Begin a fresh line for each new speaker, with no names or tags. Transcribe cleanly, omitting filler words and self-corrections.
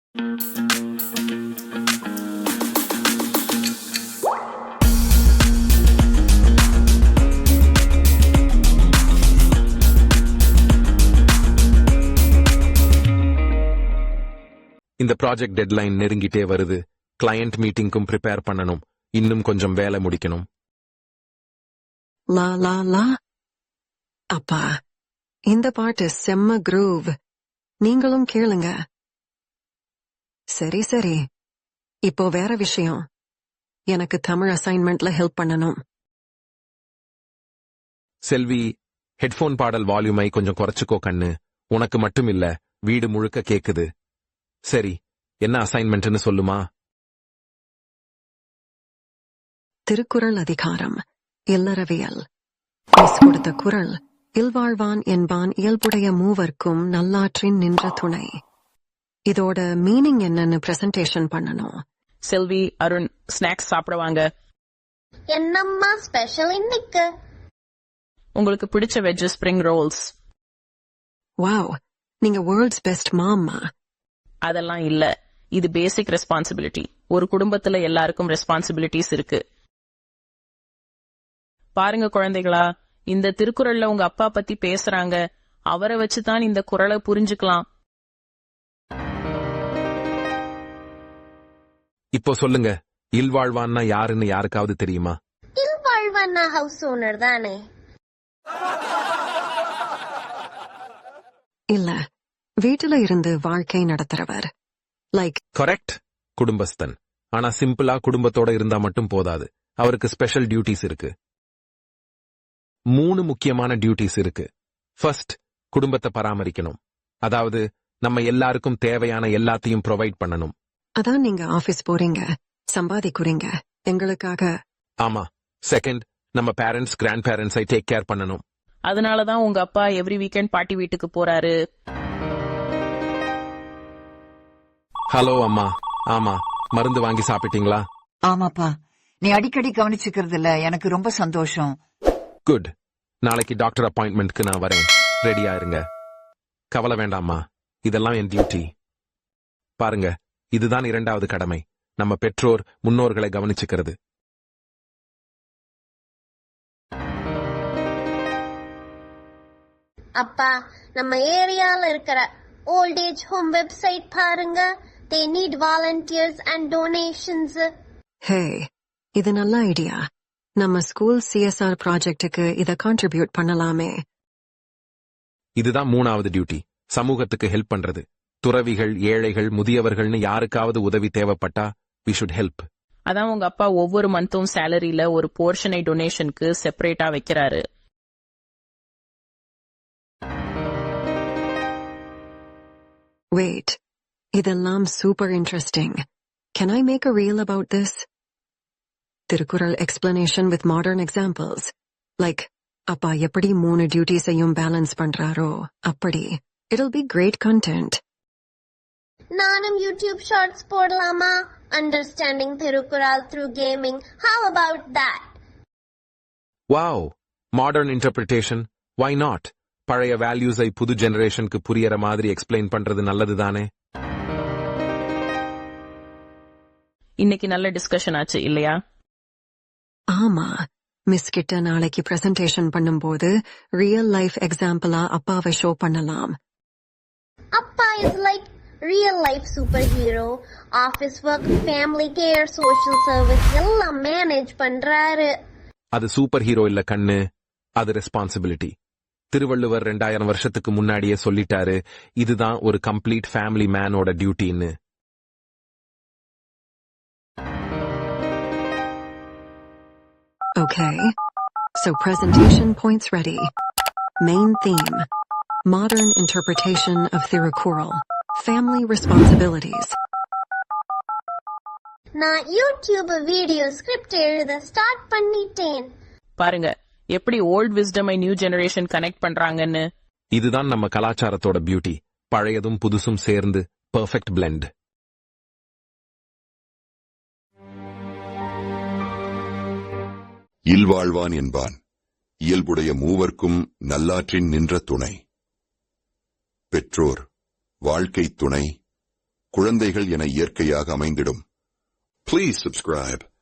இந்த project deadline நெருங்கிட்டே வருது. Client மீட்டிங்க்கும் prepare பண்ணணும். இன்னும் கொஞ்சம் வேலை முடிக்கணும்.
லா லா லா. அப்பா, இந்த பாட்டு செம்ம குரூவ். நீங்களும் கேளுங்க. சரி சரி. இப்போ வேற விஷயம். எனக்கு தமிழ் அசைன்மெண்ட்ல ஹெல்ப் பண்ணணும்.
செல்வி, ஹெட்போன் பாடல் வால்யூமை கொஞ்சம் குறைச்சுக்கோ கண்ணு. உனக்கு மட்டும் இல்ல, வீடு முழுக்க கேக்குது. சரி, என்ன அசைன்மெண்ட்னு சொல்லுமா?
திருக்குறள் அதிகாரம் இல்லறவியல். மிஸ் கொடுத்த குறள், இல்வாழ்வான் என்பான் இயல்புடைய மூவர்க்கும் நல்லாற்றின் நின்ற துணை. இதோட மீனிங் என்னன்னு பிரசன்டேஷன் பண்ணணும்.
செல்வி, அருண், ஸ்நாக்ஸ் சாப்பிடுவாங்க.
என்னம்மா ஸ்பெஷல் இன்னைக்கு?
உங்களுக்கு பிடிச்ச வெஜ் ஸ்பிரிங் ரோல்ஸ்.
வாவ், நீங்க வேர்ல்ட்ஸ் பெஸ்ட் மாம்மா.
அதெல்லாம் இல்ல, இது பேசிக் ரெஸ்பான்சிபிலிட்டி. ஒரு குடும்பத்துல எல்லாருக்கும் ரெஸ்பான்சிபிலிட்டிஸ் இருக்கு. பாருங்க குழந்தைகளா, இந்த திருக்குறள்ல உங்க அப்பா பத்தி பேசுறாங்க. அவரை வச்சுதான் இந்த குறளை புரிஞ்சுக்கலாம்.
இப்போ சொல்லுங்க, இல்வாழ்வான்னா யாருன்னு யாருக்காவது தெரியுமா?
இல்வாழ்வான்னா ஹவுஸ் ஓனர் தானே?
இல்ல, வீட்டுல இருந்து வாழ்க்கை நடத்துறவர். Like
correct, குடும்பஸ்தன். ஆனா சிம்பிளா குடும்பத்தோட இருந்தா மட்டும் போதாது. அவருக்கு ஸ்பெஷல் டியூட்டிஸ் இருக்கு. 3 முக்கியமான டியூட்டிஸ் இருக்கு. ஃபர்ஸ்ட், குடும்பத்தை பராமரிக்கணும். அதாவது நம்ம எல்லாருக்கும் தேவையான எல்லாத்தையும் ப்ரொவைட் பண்ணணும்.
அதான் நீங்க ஆபீஸ் போறீங்க, சம்பாதிக்கிறீங்க எங்களுக்காக.
ஆமா. செகண்ட், நம்ம பேரண்ட்ஸ் கிராண்ட் பேரண்ட்ஸை டேக் கேர் பண்ணணும்.
அதனாலதான் உங்க அப்பா எவ்ரி வீக்கெண்ட் பாட்டி வீட்டுக்கு போறாரு.
ஹலோ அம்மா. ஆமா, மருந்து வாங்கி சாப்பிட்டீங்களா?
ஆமாப்பா, நீ அடிக்கடி கவனிச்சுக்கிறதுல எனக்கு ரொம்ப சந்தோஷம்.
குட். நாளைக்கு டாக்டர் அப்பாயின்மெண்ட்க்கு நான் வரேன். ரெடியா இருங்க. கவலை வேண்டாம்மா, இதெல்லாம் என் டியூட்டி. பாருங்க, இதுதான் 2வது கடமை. நம்ம பெற்றோர் முன்னோர்களை கவனிச்சுக்கிறது.
அப்பா, நம்ம ஏரியால இருக்கிற ஓல்ட் ஏஜ் ஹோம் வெப்சைட் பாருங்க. They need volunteers and donations.
Hey, இது நல்ல ஐடியா. நம்ம ஸ்கூல் CSR ப்ராஜெக்டுக்கு இத கான்ட்ரிபியூட் பண்ணலாமே.
இதுதான் 3வது டியூட்டி, சமூகத்துக்கு ஹெல்ப் பண்றது. துறவிகள், ஏழைகள், முதியவர்கள்னு யாருக்காவது உதவி தேவைப்பட்டா we should help.
அதான் உங்க அப்பா ஒவ்வொரு மந்த்தும் சேலரியில ஒரு போர்ஷனை டொனேஷனுக்கு செப்பரேட்டா வைக்கிறாரு.
Wait, இதெல்லாம் super interesting. Can I make a reel about this? Thirukkural explanation with modern examples. Like, அப்பா எப்படி 3 டியூட்டிஸையும் பேலன்ஸ் பண்றாரோ அப்படி. It'll be great content.
நானும் யூடியூப் ஷார்ட்ஸ் போடலாமா? Understanding Thirukkural through gaming. How about that?
Wow, modern interpretation. Why not? பழைய வேல்யூஸை புது ஜெனரேஷனுக்கு புரியற மாதிரி எக்ஸ்பிளைன் பண்றது நல்லதுதானே?
இன்னைக்கு நல்ல டிஸ்கஷன் ஆச்சு இல்லையா?
ஆமா, மிஸ் கிட்ட நாளைக்கு பிரசன்டேஷன் பண்ணும்போது ரியல் லைஃப் எக்ஸாம்பிளா அப்பாவை ஷோ பண்ணலாம்.
அப்பா is like real life superhero. Office work, family care, social service எல்லாம் மேனேஜ் பண்றாரு.
அது சூப்பர் ஹீரோ இல்ல கண்ணு, அது ரெஸ்பான்சிபிலிட்டி. திருவள்ளுவர் 2000 வருஷத்துக்கு முன்னாடியே சொல்லிட்டாரு, இதுதான் ஒரு கம்ப்ளீட் ஃபேமிலி மேனோட டியூட்டின்னு.
Okay, so presentation points ready. Main theme: modern interpretation of Thirukkural. Family responsibilities.
நான் யூடியூப் வீடியோ ஸ்கிரிப்ட் எழுத ஸ்டார்ட் பண்ணிட்டேன்.
பாருங்க எப்படி ஓல்ட் விஸ்டமை நியூ ஜெனரேஷன் கனெக்ட் பண்றாங்கன்னு.
இதுதான் நம்ம கலாச்சாரத்தோட பியூட்டி. பழையதும் புதுசும் சேர்ந்து பெர்ஃபெக்ட் பிளெண்ட்.
இல்வாழ்வான் என்பான் இயல்புடைய மூவர்க்கும் நல்லாற்றின் நின்ற துணை. பெற்றோர் வாழ்க்கை துணை, குழந்தைகள் என இயற்கையாக அமைந்திடும். Please subscribe.